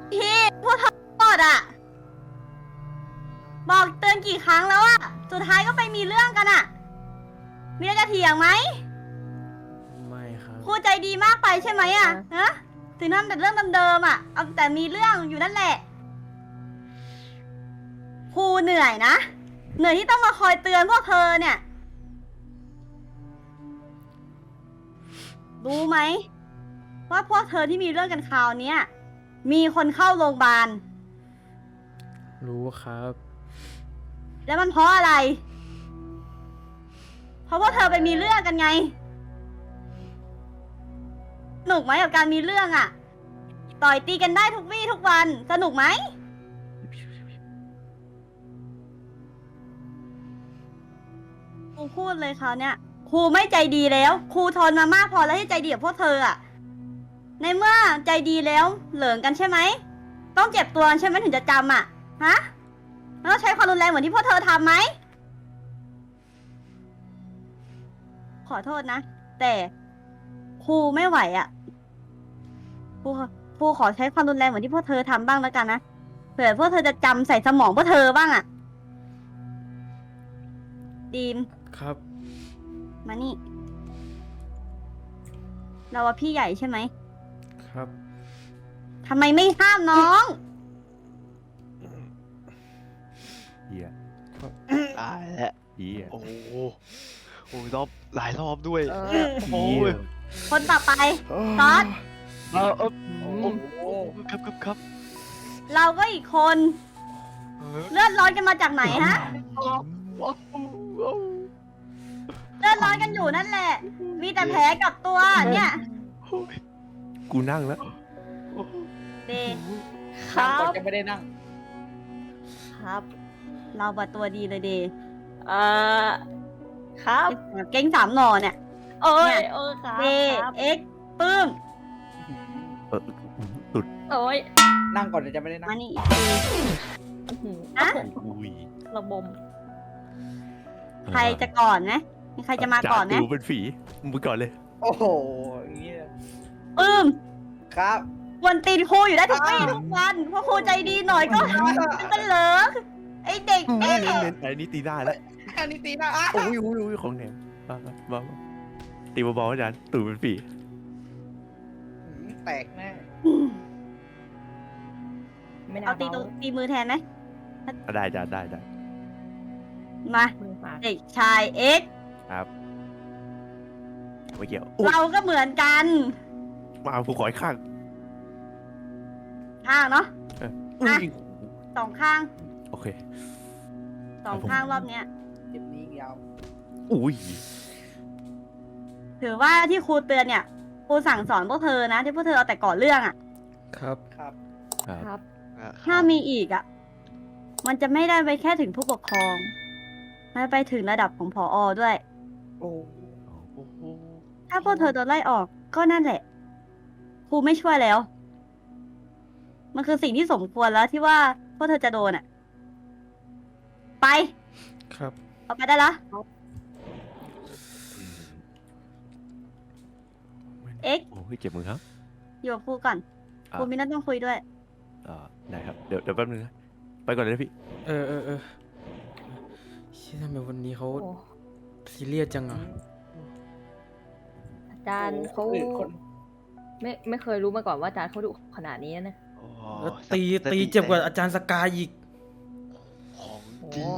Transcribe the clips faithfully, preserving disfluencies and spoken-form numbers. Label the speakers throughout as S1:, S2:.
S1: พี่พวกเธอหมดอ่ะบอกเตือนกี่ครั้งแล้วอะสุดท้ายก็ไปมีเรื่องกันอะมีอะไรจะเถียงไหม
S2: ไม่ครับ
S1: ครูใจดีมากไปใช่ไหมอะฮะถึงทำแต่เรื่องเดิมๆอะเอาแต่มีเรื่องอยู่นั่นแหละครูเหนื่อยนะเหนื่อยที่ต้องมาคอยเตือนพวกเธอเนี่ยรู้ไหมว่าพวกเธอที่มีเรื่องกันคราวนี้มีคนเข้าโรงพยาบาล
S2: รู้ครับ
S1: แล้วมันเพราะอะไร เพราะพวกเธอไปมีเรื่องกันไงสนุกไหมกับการมีเรื่องอะต่อยตีกันได้ทุกวี่ทุกวันสนุกไหมครูพูดเลยคราวเนี้ยครูไม่ใจดีแล้วครูทนมามากพอแล้วที่ใจดีกับพวกเธออะในเมื่อใจดีแล้วเหลิงกันใช่ไหมต้องเจ็บตัวใช่ไหมถึงจะจำอะฮะแล้วใช้ความรุนแรงเหมือนที่พวกเธอทำไหมขอโทษนะแต่ครูไม่ไหวอะครูครูขอใช้ความรุนแรงเหมือนที่พวกเธอทำบ้างแล้วกันนะเผื่อพวกเธอจะจำใส่สมองพวกเธอบ้างอะดีม
S2: ครับ
S1: มานี่ เราว่าพี่ใหญ่ใช่ไหม
S2: ครับ
S1: ทำไมไม่ห้ามน้อง
S3: เฮีย
S4: ตายแล้ว
S3: เฮีย
S4: โอ้โหโอ้ยรอบหลายรอบด้วย
S1: เออ
S4: โอ้ย
S1: คนต่อไป ซอส
S4: เออเออโอ้โหครับครับครับ
S1: เราก็อีกคน
S4: เออ
S1: เลือดร้อนกันมาจากไหนฮะ
S4: ว้าวว้าว
S1: เลือดร้อนกันอยู่นั่นแหละ มีแต่แผลกับตัวเนี่ย
S4: โอ้ย
S3: กูนั่งแล้ว
S1: เด
S5: ครั
S6: ก่อน
S5: บ
S6: จะไม่ได้นั่ง
S5: ครับ
S1: เราบัดตัวดีเลยเด
S5: เอ่อครับ
S1: เก่งสามหน่อเนี่ย
S5: โอ้ย
S1: เนี่ย
S5: โอ้ยครับ
S1: เด
S5: ครับ
S1: เอ็กปื้ม
S3: เออตุด
S5: โอ้ย
S6: นั่งก่อนเดี๋ยวจะไม่ได้นั่ง
S1: มานี่อีกที
S5: อื้อหือ
S1: อะ
S3: อุ้ย
S5: ระบม
S1: ใครจะก่อนนะมีใครจะมาก่อนไหม
S3: จ่าติวเป็นฝีมึงก่อนเลย
S6: โอ้โหอย่างนี้เลย
S1: ปื้ม
S6: ครับ
S1: วันตีนครูอยู่ได้ทุกวี่ทุกวันเพราะครูใจดีหน่อยก็เป็นเหลิกไอเด็ก
S3: เน้
S1: เอ๊ะ
S3: นเน้นไอ้นี่ตีได้แล้ว
S6: อันนี้ตีหนะอ่ะ
S3: โอ้ยโอ้ยโอ้ยของแหนมมามามามาตีเบาๆอาจารย์ตูดเป็นฝี
S6: หืมแตกแน่
S5: ไม่น่า
S1: เอาตี
S5: เบา
S1: ตัวตีมือแทนไหม
S3: อ่ะได้อาจารย์ได้ได้
S1: มา
S5: มือฝาด
S1: เด็กชายเอ็กซ์
S3: ครับไม่เกี่ยวโอ้ย
S1: เราก็เหมือนกัน
S3: มาเอาผู้ขออีกข้าง
S1: ข้างเนาะ
S3: อุ้ย
S1: สองข้าง
S3: โอเค
S1: สองข้างรอบเนี้ย
S6: เจ็บนี้อีกยาว
S3: อุ้ย
S1: ถือว่าที่ครูเตือนเนี่ยครูสั่งสอนพวกเธอนะที่พวกเธอเอาแต่ก่อเรื่องอ่ะ
S2: ครับ
S6: ครับ
S3: ครับ
S5: ครับ
S4: อ่ะ
S1: ถ้ามีอีกอ่ะ มันจะไม่ได้ไปแค่ถึงผู้ปกครองมันไปถึงระดับของผอด้วย
S6: โอ้
S4: โอ้โห
S1: ถ้าพวกเธอโดนไล่ออกก็นั่นแหละครูไม่ช่วยแล้ว มันคือสิ่งที่สมควรแล้วที่ว่าพวกเธอจะโดนอ่ะ ไป
S2: ครับ
S1: เอาไปได้แล้ว เอ็กซ์
S3: โอ้ยเจ็บมือครับ
S1: อยู่กับครูก่อน
S3: อ่ะ
S1: ครูมีนัดต้องคุยด้วย
S3: อ่าได้ครับเดี๋ยวเดี๋ยวแป๊บนึงนะไปก่อนเลยนะพี่
S2: เออเออเออเชี่ยทำไมวันนี้เขา
S5: โอ้
S2: ซีเรียสจังอ่ะ
S5: อาจารย์เขา
S6: หรือคน
S5: ไม่ไม่เคยรู้มาก่อนว่าอาจารย์เขาดุขนาดนี้นะ
S4: โอ้โห
S2: แล้วตีตีเจ็บกว่าอาจารย์สกายอีก
S4: ของจริง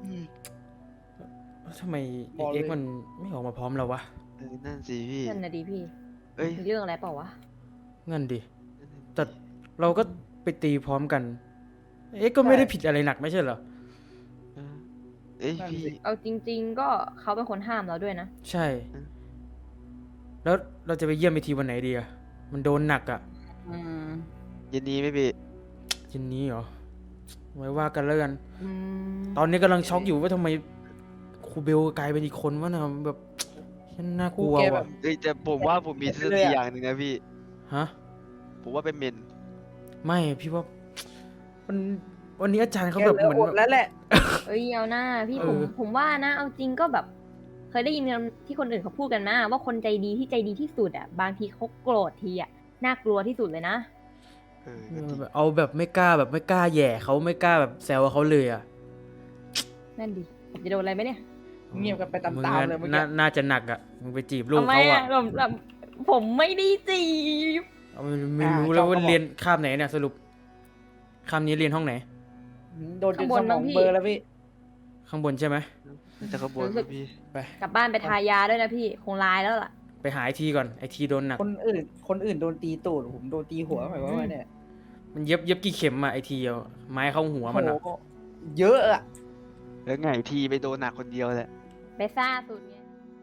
S2: แล้วทำไมเอ็กซ์มันไม่ออกมาพร้อมเราวะ
S4: เออนั่นสิพี่
S5: นั่นนะดีพี่
S4: เอ้ย
S5: มีเรื่องอะไรเปล่าวะ
S2: งั้นดิ แต่เราก็ไปตีพร้อมกัน เอ็กซ์ก็ไม่ได้ผิดอะไรหนักไม่ใช่เหรอ
S4: เออเอ้ย
S6: นั่น
S4: พี่
S6: สิ
S5: เอาจริง ๆ ก็เขาเป็นคนห้ามเราด้วยนะ
S2: ใช่ แล้วเราจะไปเยี่ยมไอทีวันไหนดีอะมันโดนหนักอะ
S5: อืม
S4: เย็นนี้ไหม่พี่
S2: เย็นนี้เหรอ ไว้ว่ากันแล้วกัน
S5: อืม
S2: ตอนนี้กำลังช็อกอยู่ว่าทำไมครูเบลกลายเป็นอีกคนวะนะแบบฉันน่ากลัว
S6: ครูแกแบ
S2: ว่ะ
S6: บ
S4: เอ้ยแต่ผมว่าผมมีทฤษ
S6: เล
S4: ฎี
S6: ยอะ
S4: อย่างหนึ่งนะพี่
S2: ฮะ
S4: ผมว่าเป็นเมน
S2: ไม่พี่ว่ามันวันนี้อาจารย์เขา
S6: แก
S2: แบบ
S6: เหลือ
S2: เหมือน
S6: อด
S2: แบบ
S6: แล้วแหละ
S5: เอ้ยเอาหน้าพี่
S2: เออ
S5: ผมผมว่านะ เอาจริงก็แบบ เคยได้ยินที่คนอื่นเขาพูดกันมาว่าคนใจดีที่ใจดีที่สุดอ่ะ บางทีเขาโกรธทีอ่ะน่ากลัวที่สุดเลยนะ
S3: เออก็จริง
S2: เอาแบบไม่กล้าแบบไม่กล้าแหย่เขาไม่กล้าแบบแซวเขาเลยอ่ะ
S5: นั่นดิผมจะโดนอะไรไหมเนี่ย
S6: เงียบกันไปตาม
S2: มึง
S6: ๆ
S2: อะ
S6: เลยเมื่อ
S2: น่า
S6: กี้
S2: น่าจะหนักอ่ะมึงไปจีบลูก
S5: ทำไม
S2: เขา
S5: อ่ะ
S2: อ่ะ
S5: ผมแบบผมไม่ได้จีบ
S2: เอาไม่ไม่รู้แล้วว่าเรียนคาบไหนเนี่ยสรุปคาบนี้เรียนห้องไหน
S6: โดนจนสมองเบลอร์แล้วพี่
S2: ข้างบนใช่ไหม
S3: น่าจะขบวนนะพี่
S2: ไป
S5: กลับบ้านไปทายาด้วยนะพี่คงลายแล้วล่ะ
S2: ไปหาไอทีก่อนไอทีโดนหนัก
S6: คนอื่น คนอื่นโดนตีตูดผมโดนตีหัวหมายความว่าเนี่ย
S2: มันเย็บเย็บกี่เข็มอ่ะไอทีเอาไม้เข้าหัวมันอ่ะ
S6: โหเยอะอะ
S3: แล้วไงทีไปโดนหนักคนเดียวแหละ
S5: ไปซ่าสุดไง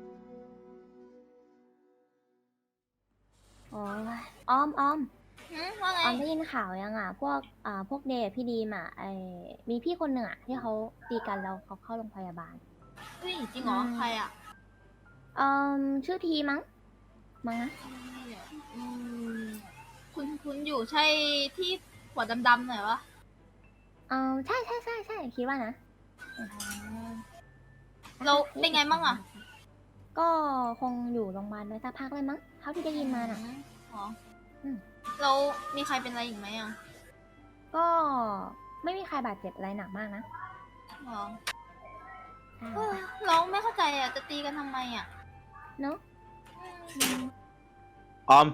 S5: โอ้ยอ้อมอ้อม
S7: หืมว่าไง
S5: ออมได้ยินข่าวยังอ่ะ พวกอ่าพวกเดย์พี่ดีมอ่ะไอมีพี่คนหนึ่งอ่ะที่เขาตีกันแล้วเขาเข้าโรงพยาบาล
S7: เฮ้ยจริงเหรอ
S5: อืม
S7: ใครอ่ะ
S5: เอ่อชื่อทีมั้งมั้งนะ
S7: อืมคุณคุณอยู่ใช่ที่หัวดำๆหน่อยวะ
S5: เออใช่ใช่ใช่ใช่คิดว่านะ
S7: เราเป็นไงบ้างอ่ะ
S5: ก็คงอยู่โรงพยาบาลไว้สักพักเลยมั้งเท่าที่ได้ยินมาน่ะ
S7: อ๋ออ
S5: ม
S7: เรามีใครเป็นอะไรอีกไหมอ่ะ
S5: ก็ไม่มีใครบาดเจ็บอะไรหนักมากนะ
S7: อ๋อ
S5: อ่า
S7: เออเราไม่เข้าใจอ่ะ จะตีกันทำไมอ่ะ
S5: เนาะ
S7: อืม
S8: ออม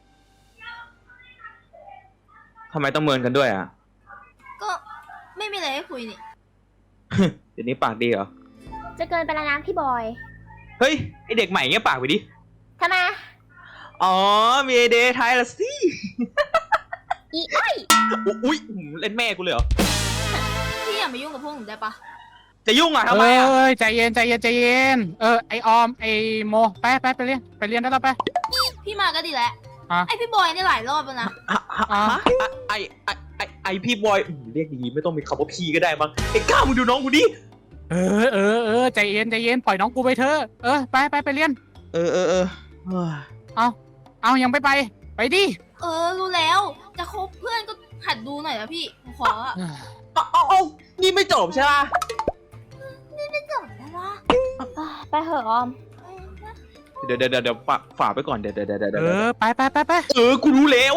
S8: ทำไมต้องเมินกันด้วยอ่ะ
S7: ก็ไม่มีอะไรให้คุยนี่
S8: เดี๋ยวนี้ปากดีเหรอ
S5: จะเกินไปแล้วนะพี่บอย
S8: เฮ้ย ไอเด็กใหม่เงี้ยปากไปดิ
S5: ทำไม
S8: อ๋อ มีไอเดย์ไทยละสิ
S5: อีอ้อย
S8: อุ๊ยเล่นแม่กูเลยเหรอ
S7: พี่อย่ามายุ่งกับพวกหนูได้ปะ
S8: จะยุ่งอ่ะ
S4: เอ
S8: ทำไมอ่ะ
S4: ้ยใจเย็นใจเย็นใจเย็น เออไอออมไอโมไปไปไปเรียนไปเรียนได้แล้วไป
S7: พี่มาก็ดีแล้ว
S4: อ่ะ
S7: ไอพี่บอยนี่หลายรอบแล้วนะ
S8: ฮะฮะฮะไอไอไอไอพี่บอยอืมเรียกดีๆไม่ต้องมีคำว่าพี่ก็ได้มั้งไอ้ก้าวมึงดูน้องกูดิ
S4: เออเออเออใจเย็นใจเย็นปล่อยน้องกูไปเถอะเออไปไปไปเรียน
S8: เออเออเออเฮ้ย
S4: เอาเอายังไปไปไปดิ
S7: เออ รู้แล้ว จะคบเพื่อนก็หัดดูหน่อยนะพี่ผมขออ่ะ
S8: เอาเอาเอานี่ไม่จบใช่ป่ะ
S7: จบแล้ววะ
S5: ไปเถอะออม
S8: เดี๋ยวเดี๋ยวเดี๋ยวเดี๋ยวฝากฝากไปก่อนเดี๋ยวเดี๋ยวเดี๋ยวเดี๋ยว
S4: เออไปไปไปไป
S8: เออกูรู้แล้ว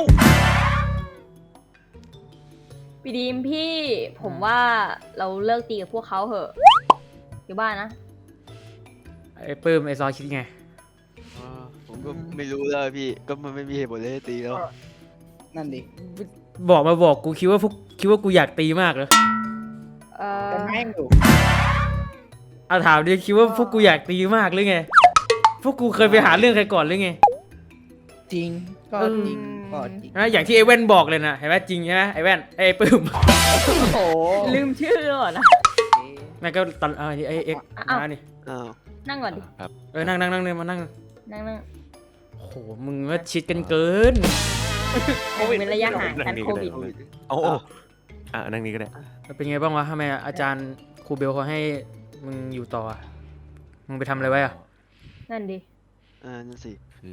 S5: พี่ดีมพี่ผมว่าเราเลิกตีกับพวกเขาเถอะอยู่บ้านนะ
S2: ไอ้ปื้มไอ้ซอคิดไง
S3: อ๋อผมก็ไม่รู้แล้วพี่ ก็มันไม่มีเหตุผลเลยให้ตีแล้ว
S6: นั่นดิ
S2: บอกมาบอกกูคิดว่าพวกคิดว่ากูอยากตีมากเหรอ
S5: เออ
S6: แต่แม่งอยู่
S2: เอาถามดิคิดว่าพวกกูอยากตีมากหรือไง พวกกูเคยไปหาเรื่องใครก่อนหรือไง
S6: จริง ก็
S2: เออ
S6: จริง ก็จริง
S2: นะอย่างที่ไอ้แว่นบอกเลยนะเห็นไหมจริงใช่ไหมไอ้แว่นไอ้ปื้ม
S6: โอ้โห
S5: ลืมชื่อแล้วเหรอนะ
S2: แม่งก็ตอนเออไอ้เอ็กซ์
S5: อ้าว
S2: มานี่
S3: อ้าว
S5: นั่งก่อนดิ
S3: ครับ
S2: เออนั่งนั่งนั่งเลยมานั่ง
S5: นั่งนั่ง
S2: โอ้โหมึงว่าชิดกันเกิน
S5: เว้นระยะห่างกันโควิด
S3: โอ้โอ้อ่ะนั่งนี้ก็ได้
S2: เป็นไงบ้างวะทำไมอาจารย์ครูเบลเขาให้มึงอยู่ต่ออะมึงไปทำอะไรไว้อะ
S5: นั่นดิ
S3: อ่านั่นสิ คือ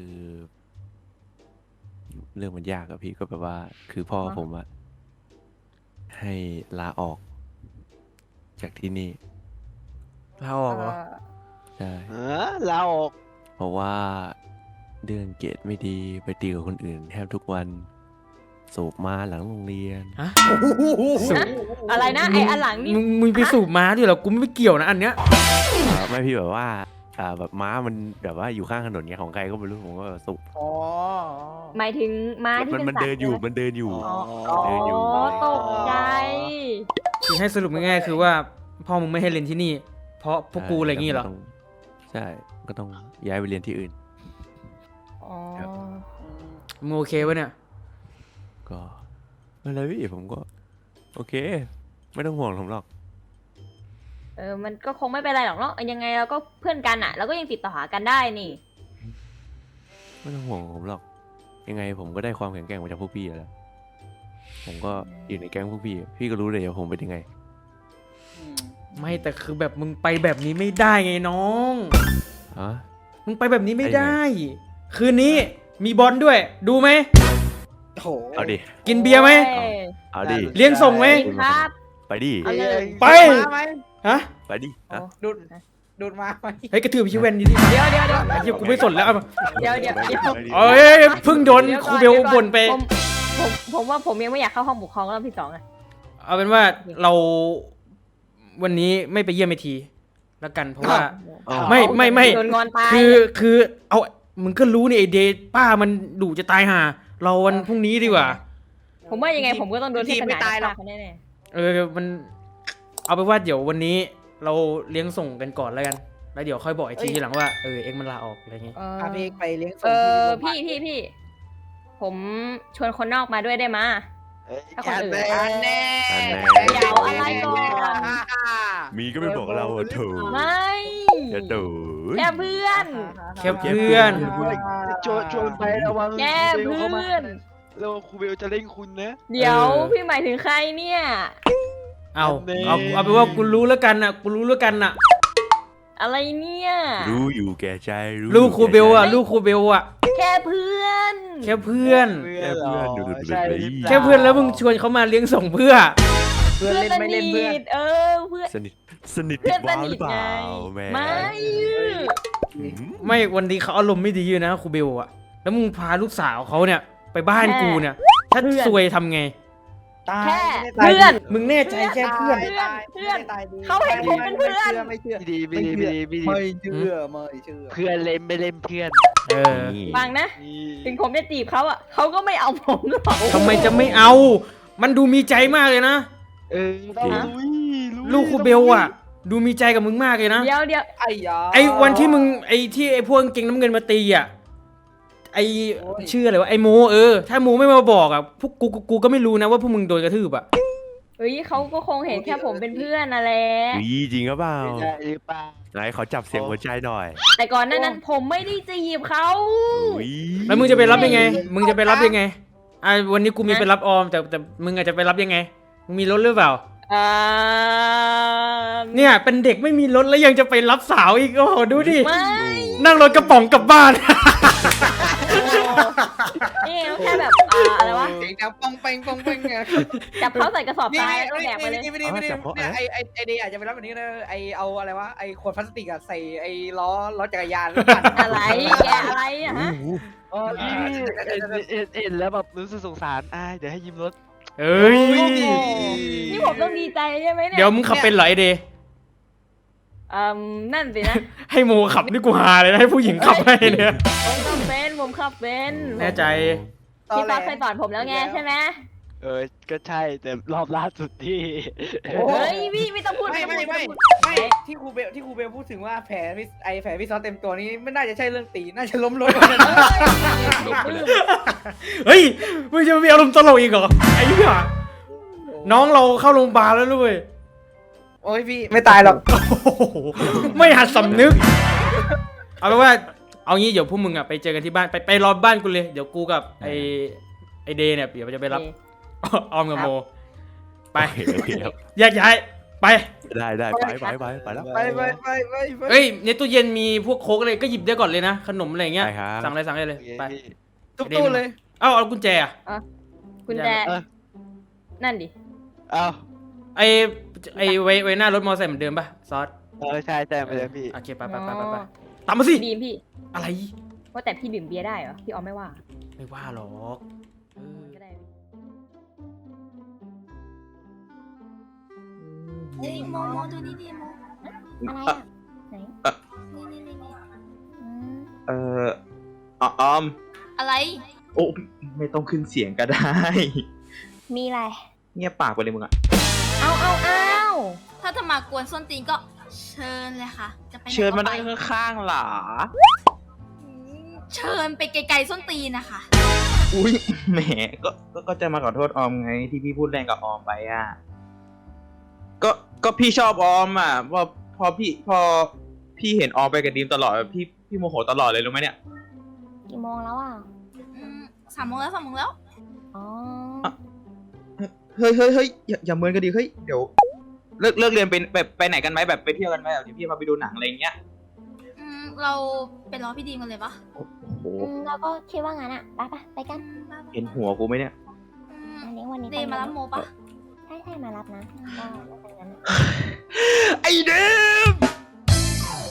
S3: เรื่องมันยากอะพี่ก็แบบว่า คือพ่อผมอะให้ลาออก จากที่นี่
S2: ลาออกเหรอ
S3: ใช่
S6: เออลาออก
S3: เพราะว่าเรื่องเกรดไม่ดีไปตีกับคนอื่นแทบทุกวัน สูบมาหลังโรงเรียน
S2: ฮะ
S5: ฮะอะไรนะไออันหลังนี่
S2: มึงมึงไปสูบม้าด้วยเหรอกูไม่เกี่ยวนะอันเนี้ย
S3: อ่าไม่พี่แบบว่าอ่าแบบม้ามันแบบว่าอยู่ข้างถนนเงี้ยของใครก็ไม่รู้ผมก็สูบ
S6: อ๋อ
S5: หมายถึงม้าที่
S3: มัน
S5: เป็น
S3: มัน
S5: สัตว์
S3: เดินอยู่
S5: ใช่ไหม
S3: มันเดินอยู่
S6: อ๋อ
S3: เดินอยู่
S5: อ๋อตกใจ
S2: คือให้สรุปง่ายๆคือว่าพ่อมึงไม่ให้เรียนที่นี่ เพราะพวกกูอะไรอย่างงี้เหรอ
S3: ต้ใช่ ก็ต้องย้ายไปเรียนที่อื่น
S5: อ๋อ
S3: ครับ
S2: มึงโอเคปะเนี่ย
S3: ก็ไม่เป็นไรพี่ผมก็ โอเค ไม่ต้องห่วงผมหรอก
S5: เออมันก็คงไม่เป็นไรหรอกเนาะยังไงเราก็เพื่อนกันอ่ะเราก็ยังติดต่อหากันได้นี่
S3: ไม่ต้องห่วงผมหรอก ยังไงผมก็ได้ความแข็งแกร่งมาจากพวกพี่อยู่แล้ว ผมก็อยู่ในแก๊งพวกพี่ พี่ก็รู้เลยว่าผมเป็นยังไง
S6: อืม
S2: ไม่แต่คือแบบมึงไปแบบนี้ไม่ได้ไงน้อง
S3: ฮะ
S2: มึงไปแบบนี้ไม่
S3: ได้
S2: ได้
S3: ไง
S2: คืนนี้มีบอลด้วย ดูไหม
S6: โอ้โห
S3: เอาดิ
S2: กินเบียร์ไหม
S3: เอาดิ
S2: เลี้ยงส่งไหม
S5: กินครับ
S3: ไปดิ
S5: เอาเลย
S2: ไป
S6: ดูดมาไหม
S2: ฮะ
S3: ไปดิฮะ
S6: ดูดดูดมาไหม
S2: เฮ้ยกระถือพี่เวนดีดิ
S5: เดี๋ยวเดี๋ยวเดี๋ยว
S2: ไอ้เหี้ยกูไม่สนแล้วเอามา
S5: เดี๋ยวเดี๋ยวเดี๋ยว
S2: เอ้ยเพิ่งโดนครูเบลบ่นไป
S5: ผมผมผมว่าผมยังไม่อยากเข้าห้องปกครองรอบที่สองอะ
S2: เอาเป็นว่าเราวันนี้ไม่ไปเยี่ยมไอทีแล้วกันเพราะว่า
S3: อ้าว
S2: ไม่ไม่ไม่
S5: โดนงอนตาย
S2: คือคือเอามึงก็รู้นี่ไอเดย์ป้ามันดุจะตายห่าเราวันพรุ่งนี้ดีกว่า
S5: ผมว่ายังไงผมก็ต้องโดน
S6: ที
S5: ที่
S6: ม
S5: ข
S6: ไม่
S5: นาด
S6: ตายหรอก
S5: เขาแน่
S2: เออมันเอาไปนว่าเดี๋ยววันนี้เราเลี้ยงส่งกันก่อนแล้วกันแล้วเดี๋ยวค่อยบอกไอทีทีหลังว่าเออเอ็กซ์มันลาออกอะไรเงี้ย
S5: ๆเออ
S6: พาพี่เอกไปเลี้ยงส่
S5: เอง อ
S6: ที่โรงพยาบาล
S5: พี่พี่พี่ผมชวนคนนอกมาด้วยได้มา ถ้าคนอื่น
S6: อันแน่
S3: อันแน่
S5: เดี๋ยวอะไรก่อน
S3: มีก็ไม่บอกเราอ่ะถูก
S5: ไม่
S3: อย่าดู
S5: แค่เพื่อน
S2: แค่เพื่อน
S9: ชวนชวนไประวัง
S5: แค่เพื่อน
S9: แล้วครูเบลจะเล่นคุณนะ
S5: เดี๋ยว
S2: เออ
S5: พี่หมายถึงใครเนี่ย
S2: เอาเอาเอาไปนว่ากูรู้แล้วกันน่ะกูรู้แล้วกันน่ะ
S5: อะไรเนี่ย
S3: รู้อยู่แก่ใจรู้
S2: ลูกครูเบลอ่ะ
S5: ไม่
S2: ลูกครูเบลอ่ะ
S5: แค่เพื่อน
S2: แค่เพื่อน
S3: แค่เพื่อนดูดูดู
S9: ใช่
S3: ดู
S9: หรือปล่า
S2: แค่เพื่อนแล้วมึงชวนเขามาเลี้ยงส่งเพื่อ
S6: เพื่อนเล่นไม่เล่นเพื่อน
S5: เออเพื่อน
S3: สนิทสนิท
S5: เพื่อนส
S3: ว้าวห
S5: นิ
S3: รื
S5: ท
S3: อเป
S5: ไง
S3: ล่าแม่
S5: ไม่
S3: อืม
S2: ไม่วันนี้เขาอารมณ์ไม่ดีอยู่นะครูเบลอ่ะแล้วมึงพาลูกสาวเขาเนี่ย ไปบ้านกูเนี่ย ถ้าซวยทำไง
S6: ตาย
S5: แค่
S6: ไม่ได้ตาย
S5: เพื่อน
S2: มึงแน่ใจแค่เพื่อน
S6: ไม่ได้ตาย
S5: เพื่อน
S6: ไม่ได้ตายดี
S5: เขาเห็นผมเป็นเพื่อน
S6: ไม่เชื่อ
S9: ไม่ดีไม่
S6: ไม่
S9: ดี
S6: เชื่อ
S9: ไม่ดี
S6: ไม่เชื่อไม่เชื่อ
S9: เพื่อนเล่นไม่เล่นเพื่อน
S2: เออ
S3: นี่
S5: ฟังนะ
S9: นี่
S5: ถึงผมจะจีบเขาอ่ะเขาก็ไม่เอาผมหรอก
S2: ทำไมจะไม่เอา มันดูมีใจมากเลยนะ
S9: เออต้องลุยย
S2: ลูกครูเบลอ่ะ ดูมีใจกับมึงมากเลยนะ
S5: เดี๋ยวเดี๋ยว
S6: ไอ้ยา
S2: ไอ้วันที่มึงไอ้ที่ไอ้พวกกางเกงน้ำเงินมาตีอ่ะ ไอ้ชื่ออะไรวะไอ้โมเออ ถ้าโมไม่มาบอกอ่ะพวกกูกูกูก็ไม่รู้นะว่าพวกมึงโดนกระทืบอ่ะ
S5: เฮ้ยเขาก็คงเห็นแค่ผมเป็นเพื่อนน่ะแหละ
S3: อุ๊ยจริงหรือเปล่า
S9: ไม่ได้หรือเปล่า
S3: ไหนขอจับเสียงหัวใจหน่อย
S5: แต่ก่อนหน้านั้นผมไม่ได้จีบเขา
S3: อุ๊ย
S2: แล้วมึงจะไปรับยังไง มึงจะไปรับยังไง อ่ะวันนี้กูมีไปรับออมแต่แต่มึงอาจจะไปรับยังไง มึงมีรถหรือเปล่า
S5: อ่า
S2: เนี่ยเป็นเด็กไม่มีรถแล้วยังจะไปรับสาวอีก โอ้โหดูดิ
S5: ไม่
S2: นั่งรถกระป๋องกลับบ้าน
S5: นี่เขาแค่แบบอ่าอะไรวะ
S6: เสียงดังปองเปงปองเปงไง
S5: จับเขาใส่กระสอบ
S6: นี่
S5: ทราย
S6: นี่
S5: แล้วก็แบกไปเลย
S6: นี่ไม่ได้ไม่ได้เนี่ยไอไอไอเดย์อาจจะไปรับแบบนี้นะไอเอาอะไรวะไอขวดพลาสติกอะใส่ไอล้อล้อจักรยานแล้วปั่น
S5: อะไรแกอะไรอะฮะ
S9: อ๋อนี่เห็นเห็นเห็นแล้วแบบรู้สึกสงสารอ่าเดี๋ยวให้ยืมรถ
S2: เอ้ย
S5: นี่ผมต้องดีใจใช่ไหมเนี่ย
S2: เดี๋ยวมึงขับเป็นเหรอไอเดย์
S5: อืมนั่นสินะ
S2: ให้โมขับนี่กูหาเลยนะให้ผู้หญิงขับให้เนี่ย
S5: ผมขับเป็นผมขับเป็น
S2: แน่ใจ
S5: พี่ฟ้าเคยสอนผมแล้วไงใช่ไหม
S9: เออก็ใช่แต่รอบล่าสุดที่
S5: เฮ้ยพี่ไม่ต้องพูด
S6: ไม่ไม่
S5: ต้องพูด
S6: ไม่
S5: ต้องพูด
S6: ไม่ที่ครูเบลที่ครูเบลพูดถึงว่าแผลพี่ไอแผลพี่ซอสเต็มตัวนี้ไม่น่าจะใช่เรื่องตีน่าจะล้มรถ
S2: เฮ้ยมึงจะมีอารมณ์ตลกอีกเหรอไอ้เหี้ยน้องเราเข้าโรงพยาบาลแล้วด้วย
S6: โอ้ยพี่ไม่ตายหรอก
S2: โอ้โหไม่หัดสำนึก เอาเป็นว่า เอางี้เดี๋ยวพวกมึงอ่ะไปเจอกันที่บ้านไปไปรอบ้านกูเลย เดี๋ยวกูกับไอไอเดย์เนี่ยเดี๋ยวจะไปรับ ออมกับโม ไป
S3: โอเคโอเคครับ
S2: แยกย้ายไป
S3: ได้ได้ไปไปไปไปแล้ว
S6: ไปไปไปไปไป
S2: เฮ้ยในตู้เย็นมีพวกโค้กอะไรก็หยิบได้ก่อนเลยนะ ขนมอะไรเงี้ย
S3: ได้ครับ
S2: สั่งอะไรสั่งได้เลย ไป
S6: ทุบตู้เลย
S2: เอ้าเอากุญแจอ่ะ
S5: คุณแจ
S9: เออ
S5: นั่นดิ
S9: เอา
S2: ไอไอไว้ไว้หน้ารถมอเตอร์ไซค์เหมือนเดิมป่ะซอส
S9: เออใช่ใช่ไปเลยพี่
S2: โอเคไปไปไปไปไปตามมาสิ
S5: บีมพี่
S2: อะไร
S5: ว่าแต่พี่ดื่มเบียร์ได้เหรอพี่ออมไม่ว่า
S2: ไม่ว่าหรอกเออ
S5: ก็ได้
S7: เฮ้ยโมโมดูนี่ดิโม
S5: อะไรอ่ะไหน
S7: นี่นี่นี่นี่
S5: อืม
S8: เอ่ออออม
S7: อะไร
S8: โอ้ไม่ต้องขึ้นเสียงก็ได้
S5: มีอะไร
S8: เงียบปากไปเลยมึงอะ
S5: เอาเอาเอา
S7: ถ้าจะมากวนส้นตีนก็เชิญเลยค่ะ จะไปไหน
S8: เชิญมา
S7: ก็
S8: นั่
S7: ไป
S8: งข้างๆหรอ
S7: อืมเชิญไปไกลๆส้นตีนนะคะ
S8: อุ้ยแหมก็ก็ก็จะมาขอโทษออมไงที่พี่พูดแรงกับออมไปอ่ะก็ก็พี่ชอบออมอ่ะพอพอพี่พอพี่เห็นออมไปกับดีมตลอดพี่พี่โมโหตลอดเลยรู้ไหมเนี่ย
S5: กี่โมงแล้วอ่ะ
S7: อืมสามโมงแล้วสามโมงแล้ว
S5: อ๋อ
S8: เฮ้ยเฮ้ยเฮ้ยอย่าอย่าเมินกันดิเฮ้ยเดี๋ยวเลิกเลิกเรียนไปแบบไปไหนกันไหมแบบไปเที่ยวกันไหมแบบเดี๋ยวพี่พาไปดูหนังอะไรอย่างเงี้ย
S7: อืมเราไปรอพี่ดีมกันเลยปะ
S8: โอ้โห
S5: อืมเราก็คิดว่างั้นอ่ะไปปะไปกัน
S7: อืมบ้าๆ
S8: เห็นหัวกูไหมเนี่ย
S7: อืม
S5: อันนี้วันนี้
S7: เดย์มารับโมปะ
S5: ใช่ใช่มารับนะก็แล้วกันงั้น
S8: ไอเดม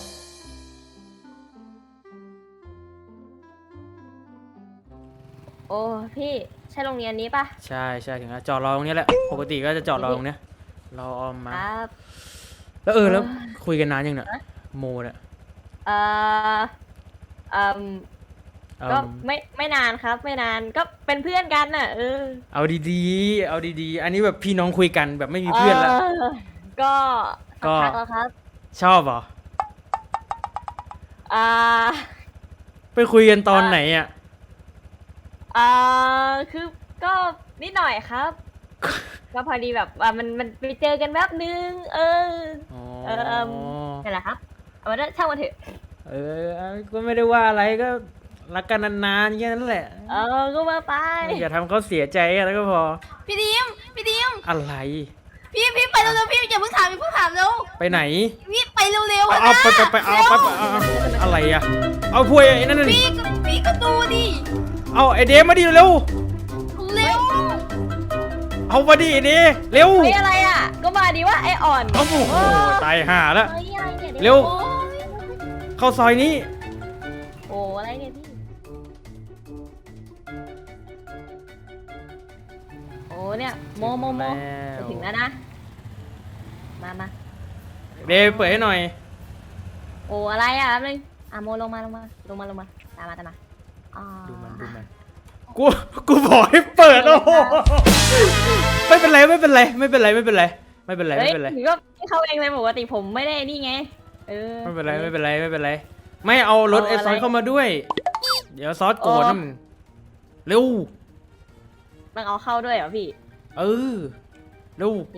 S5: โออ้พี่ใช่โรงเรียนนี้ปะ
S2: ใช่ใช่ถึงแล้วจอดรอตรงเนี้ยแหละปกติก็จะจอดรอตรงเนี้ยรอออม
S5: ค
S2: มา
S5: รับ
S2: แล้วเออแล้ว
S5: เออ
S2: คุยกันนานยังเนี่ยโมเนี่ย
S5: เอ่อเอ่ม
S2: เอา
S5: ก็ไม่ไม่นานครับ ไม่นานก็เป็นเพื่อนกันน่ะเออ
S2: เอาดีๆ เอาดีๆ อันนี้แบบพี่น้องคุยกันแบบไม่มีเพื่อนแล้ว
S5: ก็
S2: ก็
S5: สักพักแล้วครับ
S2: ชอบเหรอ
S5: อ่า
S2: ไปคุยกันตอนไหนอ่ะ
S5: อ่าคือก็นิดหน่อยครับ ก็พอดีแบบว่ามันมันไปเจอกันแป๊บนึง เออ
S2: อ๋อ
S5: เอิ่ม นั่นแหละครับเอามาช่างมันเถอะ
S2: เออก็ไม่ได้ว่าอะไรก็รักกันนานๆแค่นั้นแหละ
S5: เออก็มาไป
S2: อย่าทำเขาเสียใจแล้วก็พอ
S7: พี่ดิมพี่ดิม
S2: อะไร
S7: พี่พี่ไปเร็วๆพี่อย่าเพิ่งถามอย่าเพิ่งถามเร็ว
S2: ไปไหน
S7: พี่ไปเร็วๆ
S2: เอา
S7: อะ
S2: เอา
S7: นะ
S2: ไปไปไปเอาไปไปเอาเอาอะไรอ่ะ เอาพวยไอ้นั่นน่ะ
S7: พี่ก็พี่ก็ดูดิ
S2: เอาไอเดมาดิเร็ว
S7: เร็ว
S2: เอามาดิไอเดเร็ว
S5: เฮ้ยอะไรอ่ะ ก็มาดีว่าไออ่อน
S2: เอาโอ้โหตายห่าแล้ว
S5: เฮ้ยอะไรเนี่ย
S2: เร็ว
S5: โอ้ย
S2: เข้าซอยนี้
S5: โอ้อะไรเนี่ยพี่ โอ้เนี่ยโมโมโม
S2: แล้ว
S5: จะถึงแล้วนะ มามา
S2: เดเปิดให้หน่อย
S5: โอ้อะไรอ่ะแป๊บนึงอ่ะโมลงมาลงมาลงมาลงมาตามมาตามมาอ่า
S2: ดูมันดูมันกูกูบอกให้เปิดโอ้โหไม่เป็นไรไม่เป็นไรไม่เป็นไรไม่เป็นไรไม่เป็นไร
S5: เฮ้
S2: ไม่
S5: ย
S2: เป็นไร
S5: ถึงก็เข้าเองเลยปกติผมไม่ได้นี่ไง เออ
S2: ไม่เป็นไรไม่เป็นไรไม่เป็นไร ไม่เอารถ
S5: เอา
S2: ไอ้
S5: อะไร
S2: ซอสเข้ามาด้วย เดี๋ยวซอสโกรธ
S5: เออ
S2: นะมึงเร็ว
S5: ต้องเอาเข้าด้วยเหรอพี่
S2: เออเร็ว
S5: โอเค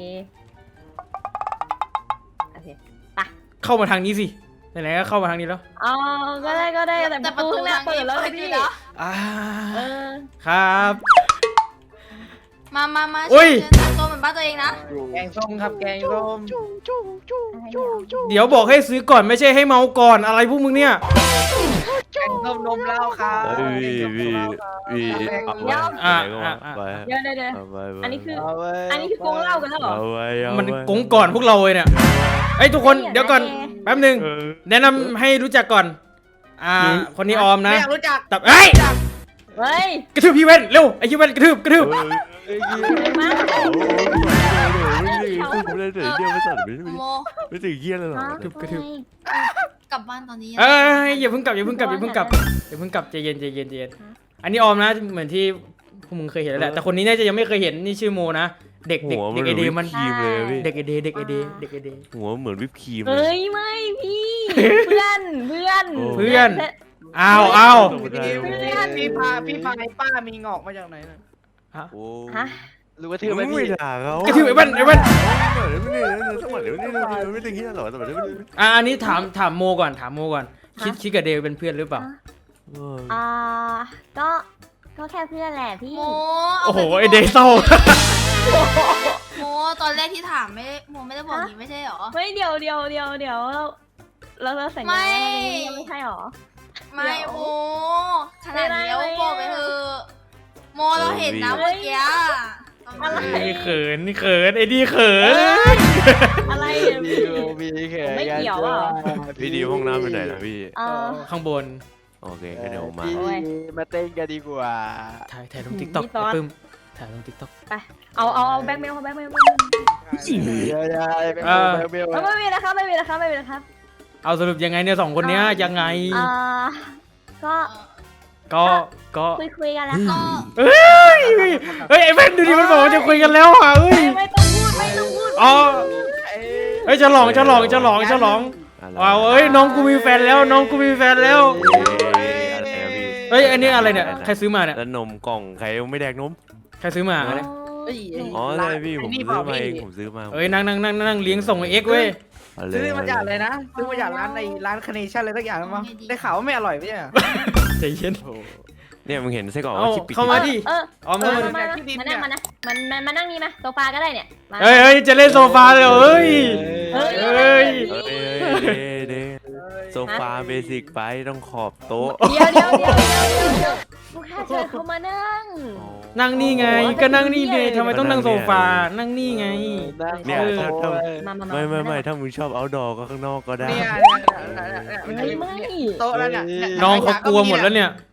S5: โอเคไป
S2: เข้ามาทางนี้สิไหนๆก็เข้ามาทางนี้แล้ว
S5: อ๋อก็ได้ก็ได้แต่
S7: แต่
S5: ป
S7: ประ ระ
S5: ตู
S7: ตู
S5: ข้างหน้า
S7: ทาง
S5: เปิด
S7: นี้
S5: แล้ว
S7: เปิ
S5: นะ
S7: ดอ
S5: พี่
S7: ยู่แล้ว
S2: อ่า
S5: เออ
S2: ครับ
S7: มามามา
S2: อุ้ย
S7: เชิญตัวเหมือนบ้านตัวเองนะ
S6: แกงส้มครับแกงส้ม
S2: เดี๋ยวบอกให้ซื้อก่อนไม่ใช่ให้เมาก่อนอะไรพวกมึงเนี่ย
S6: แกงส้มนมเหล้าครับ
S3: เฮ้ยพี่พี่เอาไว้
S2: อ่ะ
S3: ไหนก็
S2: อ่ะ
S3: ว่า
S2: อ่ะ
S3: ไป
S5: เดี๋ยวเดี๋ยวเดี๋ยว
S3: เอาไว้
S5: อันนี้คือ
S6: เอาไว้
S5: อันนี้คือโกงเหล้ากันแล้วเหรอ
S3: เอาไว้เอาไว้
S2: มันกงก่อนพวกเราเลยเนี่ยไอ้ยทุกคน
S5: ไม่อยาก
S2: เดี๋ยวก่อน
S5: ได้
S2: แป๊บหนึ่ง
S3: เออ
S2: แนะนำให้รู้จักก่อน อ่า คนนี้ออมนะ
S6: ไม่อยากรู้จัก
S2: แต่เอ้ย
S5: เฮ้ย
S2: กระทืบพี่เว้นเร็วไอ้พี่เว้นกระทืบกระทืบ
S3: เออเอ้ย
S5: มา
S3: ไม่ได้ถึงเดียวไม่สั่นไม่
S7: โม
S3: ไม่ถึงเยี่ยเลยหรอ
S2: กระทืบกระทืบ
S7: กลับบ้านตอนนี้ยัง
S2: เอ้ยอย่าเพิ่งกลับอย่าเพิ่งกลับอย่าเพิ่งกลับอย่าเพิ่งกลับใจเย็นใจเย็นใจเย็นอันนี้ออมนะเหมือนที่พวกมึงเคยเห็นแล้วแหละแต่คนนี้น่าจะยังไม่เคยเห็นนี่ชื่อโมนะเด็กเด็ก
S3: หัว
S2: เด็
S3: มัน
S2: ก
S3: เห
S2: เอ
S3: มือน
S2: เด
S3: วิป
S2: มัน
S3: ครีมเลยพี่
S2: เด็กเอเดเด็กเอเดเด็กเอเด
S3: หัวเหมือนวิปครีมเล
S5: เฮ้
S3: ย
S5: ยไม่พี่ เพื่อนเพื่อน
S3: โอ้
S2: เพื่อนอ้าวอ้าว
S3: ไม่
S6: พี่
S3: ได้
S6: พี่พาพี่พาไอ้ป้ามีงอกมาจากไหนน่ะ
S3: โอ้
S5: ฮะ
S9: รู้ว่าทื่อไหม
S3: ไม่
S9: พี่
S3: ด่าเขา
S2: กระทืบไอ้เว้นไอ้เว้น
S3: ไม่ได้สมัยเดี๋ยวนี้ไม่ถึงเยี่ยหรอสมัยเดี๋ยวนี้
S2: อ่ะอันนี้ถามถามโมก่อนถามโมก่อนคิดคิดกับเดวเป็นเพื่อนหรือเปล่า
S5: อ่าก็ก็แค่เพื่อนแหละพี่
S7: โม
S2: โอ้โห
S7: าป
S2: ไอเดย์เศร้า
S7: โมตอนแรกที่ถามไม่โมไม่ได้บอกอย่างนี้ไม่ใช่เหรอ
S5: เฮ้ยเดี๋ยวเดี๋ยวเดี๋ยวเดี๋ยวเราเราเราสัญญา
S7: ไม่
S5: ว่าเราจะไม่ใช่หรอ
S7: ไม่
S5: เดี๋ยว
S7: โมขนาดนี้แล้ว
S5: ไม่ได้
S7: บอกไปเถอะโมเราเห็นนะ
S5: เฮ้
S7: เมื่อย กี้
S5: อะไร
S2: ไอ้เขินนี่เขินไอ้ดีเขิน
S5: อะไรเนี่ย
S9: มี
S5: พี่
S9: มีแข
S5: ไม่เกี่ยวอ่ะ
S3: พี่ดีห้องน้ำไปไหนนะพี่
S5: เออ
S2: ข้างบน
S3: โอเคก็เดี๋ยวมา
S9: พี่
S5: โอ้ย
S9: มาเต้นกันดีกว่า
S2: ถ่ายถ่ายลงทิกตอก
S5: พี่ซอส
S2: ปึ้มถ่ายลงทิกตอก
S5: ไปเอาเอาเอาแบ็คเมลเอาแบ็คเมล
S9: เดี๋ยวๆไป
S2: เออ
S9: เบล
S5: ไม่มีนะครับไม่มีนะครับไม่มีนะครับ
S2: เอาสรุปยังไงเนี่ยสองคนเนี้ยยังไง
S5: อ่าก็
S2: ก็ก็
S5: คุยคุยกันแล้ว
S7: ก็
S2: เฮ้ยเฮ้ยไอ้แว่นดูดิมันบอกว่าจะคุยกันแล้วอ่ะเฮ้ย
S5: ไม่ต้องพูดไม่ต้องพูด
S2: อ๋อเฮ้ยฉลองฉลองฉลองฉลองว้าวเอ้ยน้องกูมีแฟนแล้วน้องกูมีแฟนแล้ว
S3: อะไรอะพี่
S2: เฮ้ยอันนี้อะไรเนี่ยใครซื้อมาเนี่ย
S3: แล้วนมกล่องใครไม่แดกนม
S2: ใครซื้อมาเนี่ย
S6: เอ้ย
S3: อ๋อใช่พี่ผม
S6: ไอ้นี่
S3: ซื้อ
S6: เปล่
S3: มาเอง
S6: พี่
S3: ผมซื้อมา
S2: เอ้ยนั่งนั่งนั่งนั่งเลี้ยงส่งไอเอ็กซ์เว้ย
S3: เเลย
S6: ซื้อมาจากอะไรนะซื้อมาจากร้านในร้านคาเนชั่นอะไรสักอย่างมั้งได้ข่าวว่าไม่อร่อยไม่ใช่เหรอ
S2: ใจเย็น
S3: เนี่ยมึงเห็นไส้กรอก
S2: เอ้า
S3: ชิปปิด
S2: เข้ามาดิ
S5: เออ
S2: ออม
S5: เอ
S2: เข้า
S5: อ
S2: มาดิ
S5: มามามานั่งมานะมันมันมานั่งนี่มาโซฟาก็ได้เนี่ยมา
S2: เฮ้ยเฮ้ยจะเล่นโซฟาเลยเหรอเฮ้ย
S5: เฮ้ย
S2: เฮ้ย
S3: เอ้ยเด้เด้โซฟาเบสิกไปต้องขอบโต๊ะ
S5: เดี๋ยวเดี๋ยวเดี๋ยวเดี๋ยวเดี๋ยวเดี๋ยวลูกค้าเชิญเขามานั่ง
S2: นั่งนี่ไงก็นั่งนี่ไงทำไมต้องนั่งโซฟานั่งนี่ไง
S3: เนี่ยถ้าถ้า
S5: มามามา
S3: ไม่ไม่ไม่
S5: า
S3: ถ้ามึงชอบเอาดอก็ข้างนอกก็ได้
S6: เนี่ย
S5: เฮ้ยไม่
S6: โต๊ะแล้วเนี่ย
S2: น้องเขากลัวหมดแล้วเนี่ย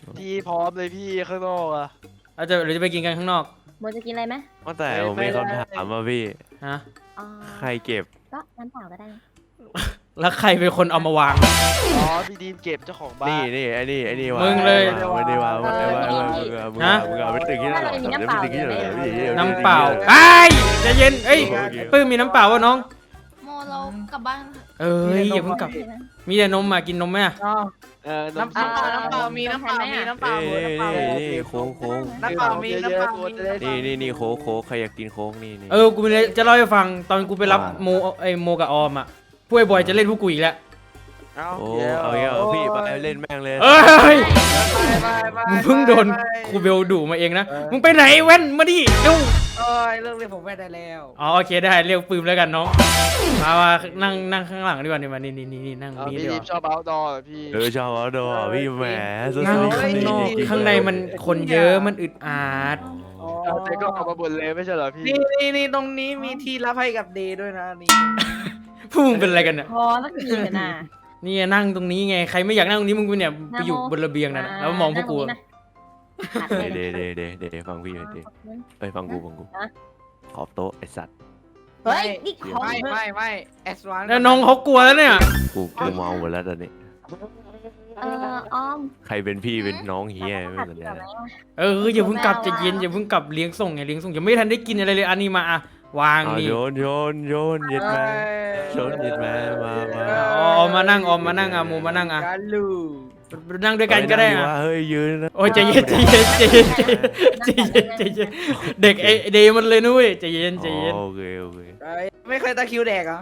S9: พี่พร้อมเลยพี่ข้างนอกอะ
S2: อาจจะหรือจะไปกินกันข้างนอก
S5: โมจะกินอะไรไหม
S3: ว่าแต่ผมมีคำถามมาพี่
S2: ฮะ
S5: อ๋อ
S3: ใครเก็บ
S5: ก็น้ำเปล่าก็ได้
S2: แล้วใครเป็นคนเอามาวาง
S9: อ๋อพี่ดีมเก็บเจ้าของบ้าน
S3: นี่นี่ไอ้นี่ไอ้นี่วะ
S2: มึงเลย
S3: ไม่ได้วางไม่ได้วาง
S5: เออ
S3: มึงเอามึง
S2: ฮะ
S3: เอามึงเอาไปตึกที่นั่นหรอ
S5: มีน้ำเปล่า
S3: ตึกที่นั่นเหรอพี่
S2: น้ำเปล่าไอ้ยใจเย็นเอ้ยปื้มมีน้ำเปล่าวะน้อง
S7: โมเรากลับบ้าน
S2: เอ้ยอย่าเพิ่งกลับ มีแต่นมมากินนมไหมอะ
S6: อ๋อ
S9: เออ
S6: น้ำเปล่าน้ำเปล่ามีน้ำเปล่ามีน้ำเปล่า
S3: เอ้ย
S6: น้ำเปล่า
S3: นี่นี่โค้งโค้ง
S6: น้ำเปล่ามีน้ำเปล่ามี
S3: นี่นี่นี่โค้กโค้กใครอยากกินโค้กนี่นี่
S2: เออกูมีอะไรจะเล่าให้ฟังตอนกูไปรับโมไอโมกับออมอะพวกไอ้บอยจะเล่นพวกกูอีกแล้ว
S9: เอา
S3: โอ้
S9: เดี๋ยว
S3: เอาเงี้ยเอาพี่ไปเล่นแม่งเลย
S2: เอ้ย
S6: ไปไป
S2: มึงเพิ่งโดนครูเบลดุมาเองนะมึงไปไหนเว้นมาดิเร็ว
S6: โอ้ยเรื่องนี้ผมไม่ได้แล้ว
S2: อ๋อโอเคได้เรียกปืนแล้วกันน้องมามานั่งนั่งข้างหลังดีกว่านี่มานี่นี่นี่นี่นั่ง
S9: เอา
S2: นี่
S9: พี่
S2: ดี
S9: ดี
S2: ก
S9: ม
S2: ว่า
S9: ชอบเอาดอร์พี่
S3: เออชอบเอาดอพี่แหมสุดๆ
S2: นั่งข้างนอกข้างในมันคนเยอะมันอึดอัด
S9: เอาแต่ก็เอามาบนเลยไม่ใช่เหรอพี่
S6: นี่นี่นี่ตรงนี้มีที่รับให้กับเดย์ด้วยนะนี่
S2: พวกมึงเป็นอะไรกันเนี่ย
S5: พอสักทีเถอะนะ
S2: นี่นั่งตรงนี้ไงใครไม่อยากนั่งตรงนี้มึงไปเนี่ยไปอยู่บนระเบียงนั่นน่ะแล้วมองพวกกู
S5: นั่งตรงนี้นะ
S3: เดเดเดเดเดฟังพี่หน่อยดิเอ้ยฟังกูฟังกูขอบโต๊ะไอสัตว์
S5: เฮ้ยนี่ของ
S6: ไม่ไม่ไม่แอสวาน
S2: แล้วน้องเขากลัวแล้วเนี่ย
S3: กูกูเมาหมดแล้วตอนนี้
S5: เออออม
S3: ใครเป็นพี่เป็นน้องเฮียไม่สนใจแล้ว
S2: เอออย่าเพิ่งกลับใจะเย็นอย่าเพิ่งกลับเลี้ยงส่งไงเลี้ยงส่งยังไม่ทันได้กินอะไรเลยอันนี้มาอะวาง
S3: เอา
S2: นี่
S3: โยนโยนโยนเย็ดมาโยนเย็ดมามามา
S2: อ๋อมานั่งออมมานั่งอะโมมานั่งอะ
S6: กาลู
S2: นั่งด้วยกันก็ได้
S3: เฮ้ย
S2: อะ
S3: ว่าเฮ้ยยืนนะ
S2: โอ้ยใจเย็นใจเย็นใจเย็นใจเย็นใจเย็นใจเย็นเด็กไอเดย์มันเลยนุ้ยใจเย็นใจเย็น
S3: อ๋อโอเคโอเค
S6: ไม่เคยตะคริวแดกเหรอ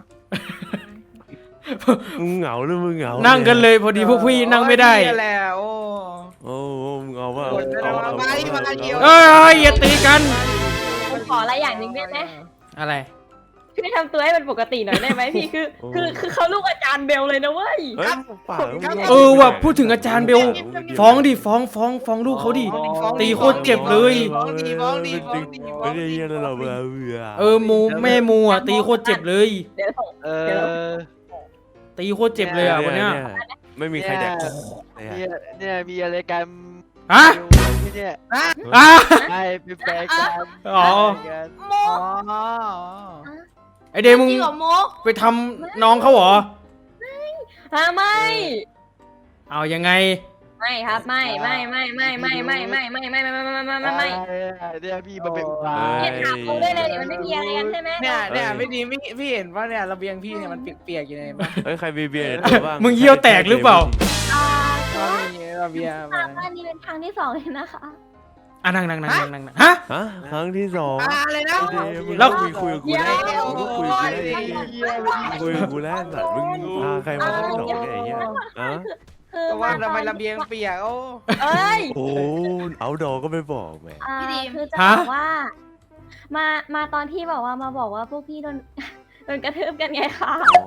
S3: มึงเหงาหรือมึงเหงา
S2: นั่งกันเลยพอดีพวกพี่นั่งไม่ได้
S6: นี่แหละโอ้
S3: โอ้โหมึงเอาว่า
S6: กดไปแล้วมาดิมาเดียว
S2: เอ้ยอย่าตีกัน
S5: ผมขออะไรอย่างหนึ่งได้ไหม
S2: อะไร
S5: พี่ทำตัวให้มันปกติหน่อยได้ไหมพี่คือคือคือเขาลูกอาจารย์เบลเลยนะเว้ย
S3: เฮ้ยปากมึง
S2: เออว่ะพูดถึงอาจารย์เบลฟ้องดิฟ้องฟ้องฟ้องลูกเขาดิ ตีโคตรเจ็บเลย
S6: ฟ้องดีฟ้องดีฟ้องดีฟ้อ
S3: ไม่
S6: ง
S3: ได้
S6: ดี
S3: เยี่ยนเราเบื่อเบื่อ
S2: เออมูแม่มูอ่ะตีโคตรเจ็บเลย
S5: เดี๋ยวส่ง
S9: เออ
S2: ตีโคตรเจ็บเลยอ่ะวันเนี้ย
S3: ไม่มีใครแดก
S9: เนี่ยเนี่ยมีอะไรกัน
S2: ฮะ
S9: เนี่ย
S2: อ่ะ
S9: ใช่เป็นแฟนกัน
S2: อ๋อ
S7: โม
S6: อ๋อ
S2: ไอเดย์มึง
S7: จริงเหรอโม
S2: ไปทำน้องเขาเหรอ
S5: ฮะไม่
S2: เอายังไง
S5: ไม่ครับไม่ไม่ไม่ไม่ไม่ไม่ไม่ไม่ไม่ไม่ไม่ไม่ไม่ไม่ไม่
S9: เนี่ยพี่มาเป็นอุบา
S5: เนี่ยถามเขาได้เลยเดี๋ยวมันไม่มีอะไรกันใช่ไหม
S6: เนี่ยเนี่ยไม่ดีไม่พี่เห็นว่าเนี่ยระเบียงพี่เนี่ยมันเปียกๆอยู่ในบ้าน
S3: เฮ้ยใครมีเบียร์ในตัวบ้าง
S2: มึงเยี่ยวแตกหรือเปล่า
S7: อ่า
S6: ก็
S7: ก็
S6: มีระเบียง
S7: ทางบ้านนี้เป็นทางที่สองเลยนะคะ
S2: อ่ะนั่งนั่งนั่งนั่งนั่งนั่งฮะ
S3: ฮะครั้งที่สอง
S6: อะไรนะ
S2: แล้ว
S3: คุยคุยกับกูได้มึงก็คุยกับกูได้คุยกับกูแล้วสัตว์มึงพาใครมาทั้งสองเนี่ยไอ้เหี้ยฮะ
S5: คือ
S6: ก็ว่าทำไมระเบียงเปียกโอ้
S5: เอ้ย
S3: โอ้เอาดอก็ไม่บอกแหม
S5: อ่า
S7: พี่ดีม
S5: คือจะ
S2: ฮะ
S5: บอกว่า มามาตอนที่บอกว่ามาบอกว่าพวกพี่โดน โดนกระทืบกันไงคะ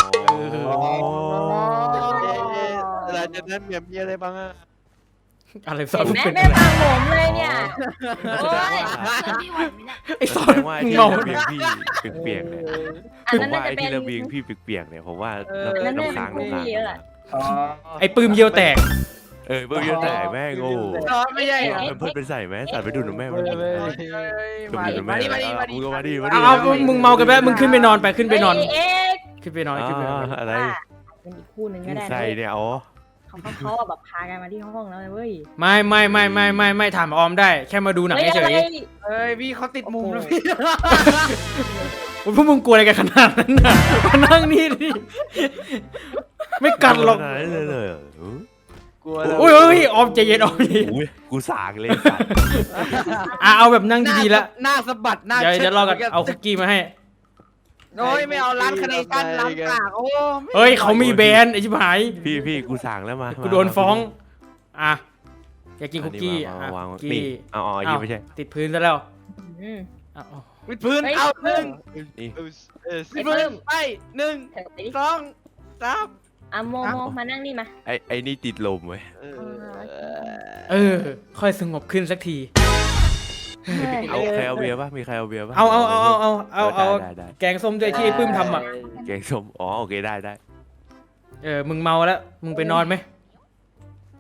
S9: หลังจากนั้นเมียมีอะไรบ้างอะ
S2: อะไรสอน
S5: เห็น
S2: มึง
S5: ไหม
S2: เป็น
S5: แม่
S2: อะไร
S5: ฟังผมเลยเนี่ยโอ้ย
S7: เจอพี่ไหวไหมเนี่ย
S2: ไอสอ
S3: แส
S2: น
S3: ดงว่า
S2: มึง
S3: ที่
S2: เมา
S3: ระเบียงพี่เปียกๆเนี่ย
S5: อั
S3: ผ
S5: น
S3: ม
S5: นั้น
S3: ว่า
S5: น่าจะ
S3: ไอ้
S5: เป็น
S3: ที่ระเบียงพี่เปียกๆเนี่ยผมว่า
S5: อันนั้นน่าจะ
S3: น้ำค้าง
S5: เป็น
S3: น้ำค้าง
S5: ผู้เยอะอะ
S2: ไอปืมเยี่ยวแตก
S3: เออเบื่อเยอะแต่แม่งโง่
S6: ไม่ใช่เหรอ
S3: มันเพิ่งไปใส่แมสใส่ไปดูหนูแม่มัน
S6: มาดิมาดิมาดิมาดิ
S3: มึงก็มาดิมาดิ
S2: เอาเอามึงเมากันไปมึงขึ้นไปนอนไปขึ้นไปนอน
S5: เฮ้ยเอ็กซ์
S2: ขึ้นไปนอนขึ้นไปนอน
S3: อะไร
S5: เป็นอีกคู่หนึ่งก็ได้นะ
S3: ใส่เนี่ยอ๋อ
S5: เขาเขาเขาอะแบบพากันมาที่ห้องแล้วเว้ย
S2: ไม่ไม่ไม่ไม่ไม่ไม่ถามออมได้ แค่มาดูหนัง
S5: เฮ้ย
S2: เฉ
S5: อะไร
S2: ย
S6: เอ้ยพี่เขาติดมุมแล้วพี่
S2: ๆโอ้ยพวกมึงกลัวอะไรกันขนาดนั้นน่ะมานั่งนี่ดิไม่กัดหรอก
S3: ไหนเลยเลย
S9: กลัว
S2: โอ้ยโอ้ยออมใจเย็นออมใจเย็น
S3: อุ้ยกูสากเลยสัตว์
S2: อ่ะเอาแบบนั่งดีๆละ
S6: หน้าสะบัดหน้า
S2: เดี๋ยวเดี๋ยวรอกันเอาคุกกี้มาให้
S6: โอ้ยไม่เอาร้านคาเนชั่นร้านปากโอ้
S2: เฮ้ยเขามีแบรนด์ไอชิบหาย
S3: พี่พี่กูสากแล้วมา
S2: กูโดนฟ้องอ่ะอยากกินคุกกี้
S3: อ่ะ
S2: อ่ะ
S3: วาง
S2: คุก
S3: นี่
S2: กี้
S3: เอาอ๋อยี่ไม่ใช่
S2: ติดพื้นซะแล้ว
S5: อืม
S2: อ่ะเอา
S6: วิดพื้น
S5: เฮ้ย
S6: เอาหนึ่ง
S3: นี่
S9: เออเออ
S6: วิดพื้นไปหนึ่ง
S5: เถอะไปดิ
S6: สองสาม
S5: อ่ะโมโมมานั่งนี่มา
S3: ไอไอนี่ติดลมเว้ย
S2: เออ ค่อยสงบขึ้นสักที
S3: เอาใครเอาเบียร์ป่ะมีใครเอาเบียร์ป่ะ
S2: เอาเอาเอาเอาเอาเอาเอา
S3: ได้ได้
S2: แกงส้มด้วยที่ไอ้ปื้มทำอ่ะ
S3: แกงส้มอ๋อโอเคได้ได้
S2: เออ มึงเมาแล้ว มึงไปนอนไหม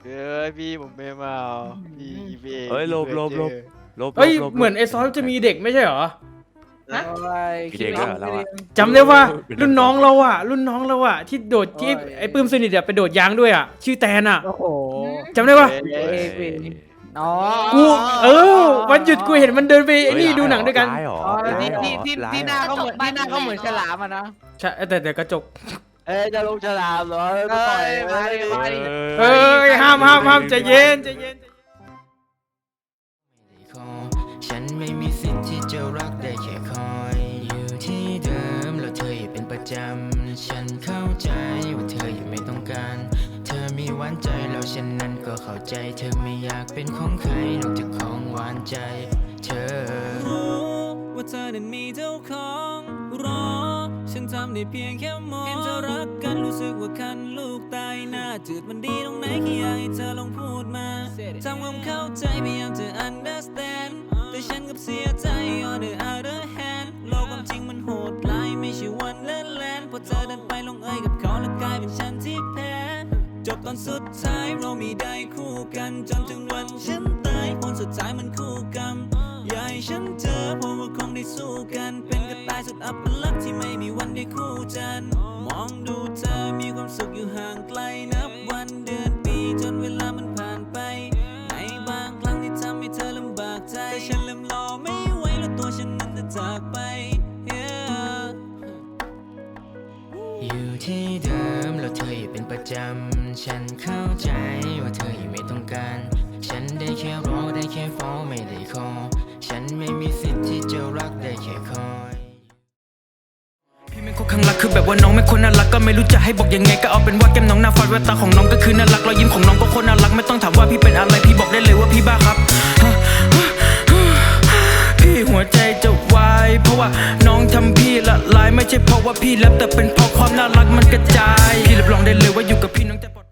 S9: เอ้ยพี่ผมไม่มาพี่พี่
S3: เอ้ยหลบหลบหลบ ลบ
S2: เอ้ย
S3: ลบลบ
S2: เหมือนไอ้ซอสจะมีเด็กไม่ใช่เหรอ
S3: มีเด็กด้วยเหรอเราอะ
S2: จำได้ว่ารุ่นน้องเราอะรุ่นน้องเราอะที่โดดที่ไอ้ปื้มสนิทอะไปโดดยางด้วยอะชื่อแตนอะ
S6: โอ้โห
S2: จำได้ปะ
S3: เอ้ย
S6: อ๋อ
S2: กูเออวันหยุดกูเห็นมันเดินไปไอ้นี่ดูหนังด้วยกัน
S3: ร้ายเหรอ
S6: อ๋อ
S3: ร้าย
S6: ที่
S3: เหรอ
S6: ที่ที่
S3: ร้าย
S6: ที่ห
S3: เหร
S6: น้า
S3: อ
S6: เขาเหมือนที่หน้าเขาเหมือนฉลามอะนะ
S2: ใช่แต่แต่กระจก
S9: เอ้ยจะลงฉลามเหรอ
S6: เอ้ยมาดิมาดิ
S2: เอ้ยห้ามห้ามห้ามใจเย็นใจเย็น
S10: ฉันไม่มีสิทธิ์ที่จะรักได้แค่คอยอยู่ที่เดิมแล้วเธออย่าเป็นประจำฉันเข้าใจว่าเธอยังไม่ต้องการเธอมีหวานใจแล้วฉันนั้นก็เข้าใจเธอไม่อยากเป็นของใครนอกจากของหวานใจเธอรู้ว่าเธอนั้นมีเจ้าของรอฉันทำได้เพียงแค่มองเห็นเธอรักกันรู้สึกว่าคันลูกตายหน้าจืดมันดีตรงไหนแค่อยากให้เธอลองพูดมาทำความเข้าใจพยายามจะ understand แต่ฉันกับเสียใจ on the other hand โลกความจริงมันโหดร้ายไม่ใช่วันเล่นแลนพอเธอเดินไปลงเอยกับเขาแล้วกลายเป็นฉันที่แพ้จบตอนสุดท้ายเราไม่ได้คู่กันจนถึงวันฉันตายผลสุดท้ายมันคู่กรรมอย่าให้ฉันเจอเพราะว่าคงได้สู้กันเป็นกระต่ายสุดอัปลักษณ์ที่ไม่มีวันได้คู่จันทร์มองดูเธอมีความสุขอยู่ห่างไกลนับวันเดือนปีจนเวลามันผ่านไปในบางครั้งที่ทำให้เธอลำบากใจแต่ฉันเริ่มรอไม่ไหวแล้วตัวฉันนั้นจะจากไป yeah อยู่ที่เดิมแล้วเธออย่าเป็นประจำฉันเข้าใจว่าเธอยังไม่ต้องการฉันได้แค่รอได้แค่ฟ้องไม่ได้ขอฉันไม่มีสิทธิ์ที่จะรักได้แค่คอยพี่ไม่คนข้างรักคือแบบว่าน้องไม่คนน่ารักก็ไม่รู้จะให้บอกยังไงก็เอาเป็นว่าแก้มน้องหน้าฟาดแววตาของน้องก็คือน่ารักรอยยิ้มของน้องก็คนน่ารักไม่ต้องถามว่าพี่เป็นอะไรพี่บอกได้เลยว่าพี่บ้าครับพี่หัวใจจะวายเพราะว่าน้องทำพี่ละลายไม่ใช่เพราะว่าพี่แลบแต่เป็นเพราะความน่ารักมันกระจายพี่รับรองได้เลยว่าอยู่กับพี่น้องจะปลอด